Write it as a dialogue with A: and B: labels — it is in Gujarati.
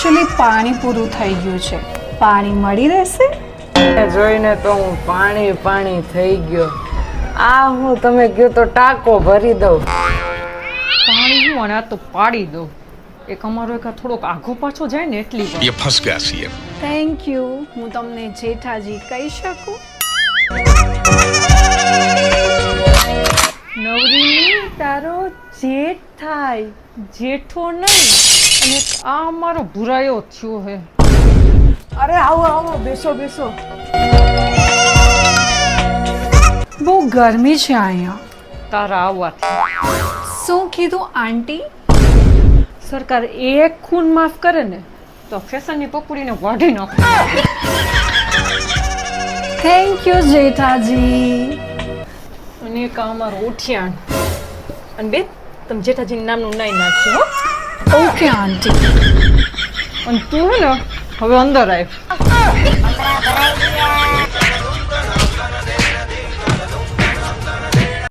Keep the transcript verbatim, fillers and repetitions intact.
A: એકચ્યુઅલી પાણી પૂરું થઈ ગયું છે. પાણી મળી રહેશે?
B: જોઈને તો હું પાણી પાણી થઈ ગયો. આ હું તમે કયો તો ટાંકો ભરી દઉં.
C: પાણી હું અને આ તો પાડી દઉં. એક અમારો એક આ થોડોક આઘો પાછો જાય ને એટલી વાર.
D: ये फंस गया सीएम.
A: Thank you. હું તમને જેઠાજી કહી શકું?
C: નવરી તારો જેઠ થાય, જેઠો નહીં. અને આ અમારો ભુરાયો થયો હે.
B: અરે આવો આવો બેસો બેસો.
A: બહુ ગરમી છે અહીંયા.
C: તારા આવવાથી
A: શું કીધું આંટી?
C: સરકાર એક ખૂન માફ કરે ને તો ફેશનની પકડીને વાઢી નાખે.
A: Thank you Jethaji.
C: અને એક આ અમારો ઉઠિયાણ. અને બે તમે જેઠાજીનું નામનું નાઈ નાખજો હો.
A: Okay aunty.
C: અને તું હે ને હવે અંદર આવ.